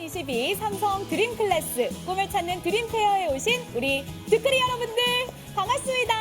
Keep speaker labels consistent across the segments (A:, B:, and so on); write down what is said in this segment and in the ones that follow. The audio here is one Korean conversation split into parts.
A: 2022 삼성 드림클래스 꿈을 찾는 드림페어에 오신 우리 드크리 여러분들 반갑습니다.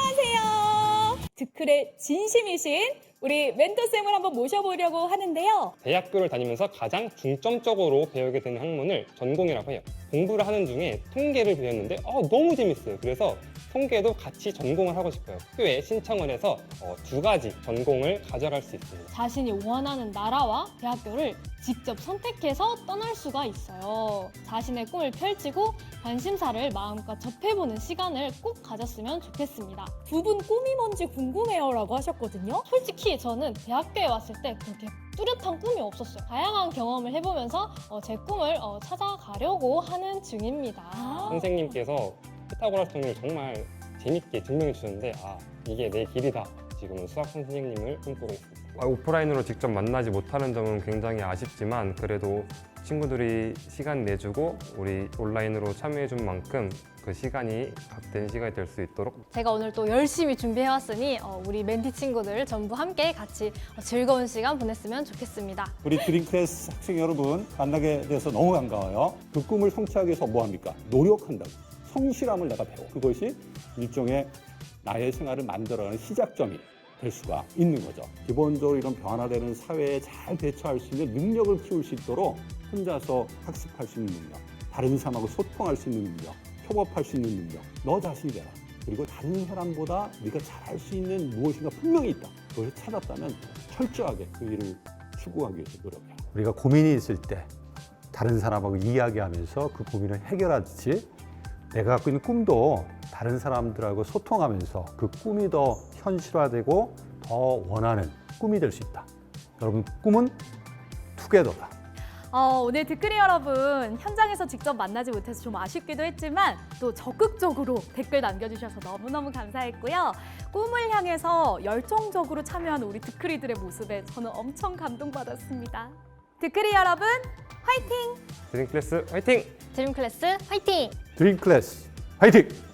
A: 안녕하세요. 드클의 진심이신 우리 멘토쌤을 한번 모셔보려고 하는데요.
B: 대학교를 다니면서 가장 중점적으로 배우게 되는 학문을 전공이라고 해요. 공부를 하는 중에 통계를 배웠는데 너무 재밌어요. 그래서 통계도 같이 전공을 하고 싶어요. 학교에 신청을 해서 2가지 전공을 가져갈 수 있습니다.
C: 자신이 원하는 나라와 대학교를 직접 선택해서 떠날 수가 있어요. 자신의 꿈을 펼치고 관심사를 마음껏 접해보는 시간을 꼭 가졌으면 좋겠습니다.
A: 두 분 꿈이 뭔지 궁금해요 라고 하셨거든요.
C: 솔직히 저는 대학교에 왔을 때 그렇게 뚜렷한 꿈이 없었어요. 다양한 경험을 해보면서 제 꿈을 찾아가려고 하는 중입니다.
B: 선생님께서 피타고라스 정리를 정말 재밌게 증명해 주셨는데 이게 내 길이다. 지금은 수학 선생님을 꿈꾸고 있습니다. 오프라인으로 직접 만나지 못하는 점은 굉장히 아쉽지만 그래도 친구들이 시간 내주고 우리 온라인으로 참여해 준 만큼 그 시간이 값된 시간이 될 수 있도록
C: 제가 오늘 또 열심히 준비해왔으니 우리 멘티 친구들 전부 함께 같이 즐거운 시간 보냈으면 좋겠습니다.
D: 우리 드림클래스 학생 여러분 만나게 돼서 너무 반가워요. 그 꿈을 성취하기 위해서 뭐 합니까? 노력한다고. 성실함을 내가 배워. 그것이 일종의 나의 생활을 만들어가는 시작점이 될 수가 있는 거죠. 기본적으로 이런 변화되는 사회에 잘 대처할 수 있는 능력을 키울 수 있도록 혼자서 학습할 수 있는 능력, 다른 사람하고 소통할 수 있는 능력, 협업할 수 있는 능력, 너 자신이 되라. 그리고 다른 사람보다 네가 잘할 수 있는 무엇인가 분명히 있다. 그것을 찾았다면 철저하게 그 일을 추구하기 위해서 노력해라.
E: 우리가 고민이 있을 때 다른 사람하고 이야기하면서 그 고민을 해결하듯이 내가 갖고 있는 꿈도 다른 사람들하고 소통하면서 그 꿈이 더 현실화되고 더 원하는 꿈이 될 수 있다. 여러분, 꿈은 투게더다.
A: 오늘 드크리 여러분 현장에서 직접 만나지 못해서 좀 아쉽기도 했지만 또 적극적으로 댓글 남겨주셔서 너무너무 감사했고요. 꿈을 향해서 열정적으로 참여하는 우리 드크리들의 모습에 저는 엄청 감동받았습니다. 드크리 여러분 화이팅!
B: 드림클래스 화이팅!
C: 드림클래스 화이팅!
E: 드림클래스 화이팅!